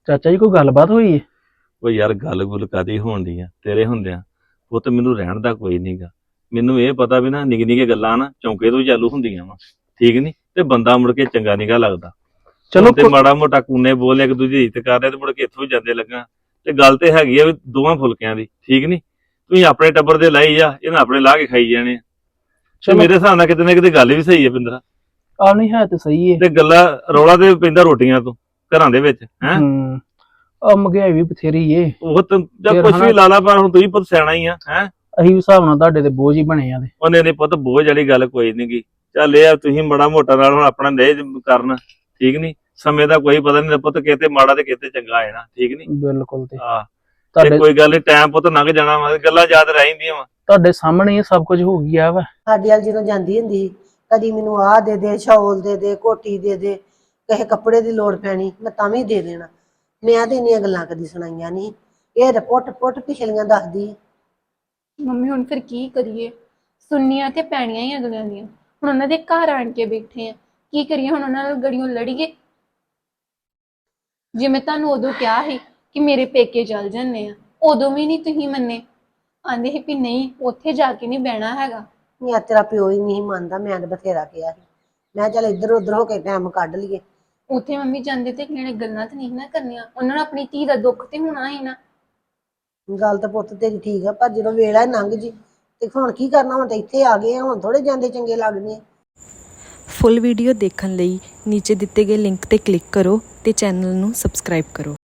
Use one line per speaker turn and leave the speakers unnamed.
ਚਾਚਾ ਜੀ ਕੋਈ ਗੱਲਬਾਤ ਹੋਈ ਹੈ?
ਉਹ ਯਾਰ ਗੱਲ ਗੁੱਲ ਕਾਦੀ ਹੋਣ ਦੀ ਆ ਤੇਰੇ ਹੁੰਦਿਆਂ। ਉਹ ਤੇ ਮੈਨੂੰ ਰਹਿਣ ਦਾ ਕੋਈ ਨਹੀਂਗਾ। ਮੈਨੂੰ ਇਹ ਪਤਾ ਵੀ ਨਾ ਨਿੱਕੀ ਨਿੱਕੀ ਗੱਲਾਂ ਨਾ ਚੌਂਕੇ ਤੋਂ ਹੀ ਚਾਲੂ ਹੁੰਦੀਆਂ ਵਾ, ਠੀਕ ਨਹੀਂ? ਤੇ ਬੰਦਾ ਮੁੜ ਕੇ ਚੰਗਾ ਨਿਗਾ ਲੱਗਦਾ।
ਚਲੋ
ਤੇ ਮਾੜਾ ਮੋਟਾ ਕੂਨੇ ਬੋਲ ਇੱਕ ਦੂਜੀ ਦੀ ਇੱਜ਼ਤ ਕਰ ਰਿਹਾ ਤੇ ਮੁੜ ਕੇ ਇੱਥੋਂ ਹੀ ਜਾਂਦੇ ਲੱਗਾ। ਤੇ ਗੱਲ ਤੇ ਹੈਗੀ ਆ ਵੀ ਦੋਵਾਂ ਫੁਲਕਿਆਂ ਦੀ, ਠੀਕ ਨਹੀਂ? ਤੁਸੀਂ ਆਪਣੇ ਟੱਬਰ ਦੇ ਲਾਈ ਜਾ, ਇਹਨਾਂ ਆਪਣੇ ਲਾ ਕੇ ਖਾਈ ਜਾਣੇ ਆ। ਤੇ ਮੇਰੇ ਹਿਸਾਬ ਨਾਲ ਕਿਤੇ ਨਾ ਕਿਤੇ ਗੱਲ ਵੀ ਸਹੀ ਹੈ ਪਿੰਦਰਾ।
ਆ ਨਹੀਂ ਹੈ ਤੇ ਸਹੀ ਹੈ।
ਤੇ ਗੱਲਾਂ ਰੌਲਾ ਤੇ ਪੈਂਦਾ ਰੋਟੀਆਂ ਤੋਂ ਘਰਾਂ ਦੇ ਵਿੱਚ ਹੈ।
ਆ ਮਹਿੰਗਾਈ ਵੀ ਬਥੇਰੀ ਏ।
ਉਹ ਤਾਂ ਜਾਂ ਕੁਛ ਵੀ ਲਾ ਲਾ, ਪਰ ਹੁਣ ਤੁਸੀਂ ਪੁੱਤ ਸਿਆਣਾ ਹੀ ਆ ਹੈ।
ਅਸੀਂ ਵੀ ਹਿਸਾਬ ਨਾਲ ਤੁਹਾਡੇ ਤੇ ਬੋਝ ਹੀ ਬਣੇ ਆ।
ਉਹਨੇ ਨੇ ਪੁੱਤ ਬੋਝ ਵਾਲੀ ਗੱਲ ਕੋਈ ਨੀ ਗੀ। ਚੱਲ ਇਹ ਆ ਤੁਸੀਂ ਮਾੜਾ ਮੋਟਾ ਨਾਲ ਹੁਣ ਆਪਣਾ ਲੈ ਕਰਨ, ਠੀਕ ਨੀ? ਸਮੇਂ ਦਾ ਕੋਈ ਪਤਾ ਨਹੀਂ ਪੁੱਤ, ਕਿਤੇ ਮਾੜਾ ਤੇ ਕਿਤੇ ਚੰਗਾ ਹੈ ਨਾ, ਠੀਕ ਨੀ?
ਬਿਲਕੁਲ। ਤੇ
ਹਾਂ
ਤੁਹਾਡੇ
ਕੋਈ ਗੱਲ ਨੀ, ਟਾਈਮ ਪੁੱਤ ਲੰਘ ਜਾਣਾ ਵਾ, ਗੱਲਾਂ ਯਾਦ ਰਹਿੰਦੀਆਂ ਵਾ।
ਤੁਹਾਡੇ ਸਾਹਮਣੇ ਹੀ ਸਭ ਕੁਝ ਹੋ ਗਿਆ ਵਾ।
ਸਾਡੇ ਵੱਲ ਜਦੋਂ ਜਾਂਦੀ ਹੁੰਦੀ ਸੀ, ਕਦੀ ਮੈਨੂੰ ਆਹ ਦੇ ਦੇ, ਸ਼ੌਲ ਦੇ ਦੇ, ਕੋਟੀ ਦੇ ਦੇ, ਕਿਸੇ ਕੱਪੜੇ ਦੀ ਲੋੜ ਪੈਣੀ ਮੈਂ ਤਾਂ ਵੀ ਦੇ ਦੇਣਾ। ਮੈਂ ਤੇ ਇੰਨੀਆਂ ਗੱਲਾਂ ਕਦੀ ਸੁਣਾਈਆਂ ਨਹੀਂ। ਇਹ ਤਾਂ ਪੁੱਟ ਪਿਛਲੀਆਂ ਦੱਸਦੀ।
ਮੰਮੀ ਹੁਣ ਫਿਰ ਕੀ ਕਰੀਏ? ਸੁਣਨੀਆਂ ਤੇ ਪੈਣੀਆਂ ਹੀ ਅਗਲਿਆਂ ਦੀਆਂ। ਹੁਣ ਉਹਨਾਂ ਦੇ ਘਰ ਆਣ ਕੇ ਬੈਠੇ ਆ, ਕੀ ਕਰੀਏ? ਹੁਣ ਉਹਨਾਂ ਨਾਲ ਗੜੀਆਂ ਲੜੀਏ? ਜੇ ਮੈਂ ਤੁਹਾਨੂੰ ਉਦੋਂ ਕਿਹਾ ਸੀ ਕਿ ਮੇਰੇ ਪੇਕੇ ਚੱਲ ਜੰਨੇ ਆ, ਉਦੋਂ ਵੀ ਨਹੀਂ ਤੁਸੀਂ ਮੰਨੇ। ਆਂਦੇ ਸੀ ਵੀ ਨਹੀਂ ਉੱਥੇ ਜਾ ਕੇ ਨਹੀਂ ਬਹਿਣਾ ਹੈਗਾ।
ਯਾਰ ਤੇਰਾ ਪਿਓ ਹੀ ਨਹੀਂ ਮੰਨਦਾ। ਮੈਂ ਤਾਂ ਬਥੇਰਾ ਕਿਹਾ ਸੀ। ਮੈਂ ਚੱਲ ਇੱਧਰ ਉੱਧਰ ਹੋ ਕੇ ਟਾਈਮ ਕੱਢ ਲਈਏ।
ਉੱਥੇ ਮੰਮੀ ਜਾਂਦੇ ਤੇ ਅਗਲੇ ਨੇ ਗੱਲਾਂ ਤੇ ਨਹੀਂ ਨਾ ਕਰਨੀਆਂ। ਉਹਨਾਂ ਨੂੰ ਆਪਣੀ ਧੀ ਦਾ ਦੁੱਖ ਤੇ ਹੋਣਾ ਹੀ ਨਾ।
ਗੱਲ ਤਾਂ ਪੁੱਤ ਤੇਰੀ ਠੀਕ ਆ, ਪਰ ਜਦੋਂ ਵੇਲਾ ਲੰਘ ਜੀ ਤੇ ਹੁਣ ਕੀ ਕਰਨਾ? ਹੁਣ ਤਾਂ ਇੱਥੇ ਆ ਗਏ ਆ, ਹੁਣ ਥੋੜੇ ਜਾਂਦੇ ਚੰਗੇ ਲੱਗਦੇ ਆ।
ਫੁੱਲ ਵੀਡੀਓ ਦੇਖਣ ਲਈ ਨੀਚੇ ਦਿੱਤੇ ਗਏ ਲਿੰਕ ਤੇ ਕਲਿੱਕ ਕਰੋ ਤੇ ਚੈਨਲ ਨੂੰ ਸਬਸਕ੍ਰਾਈਬ ਕਰੋ।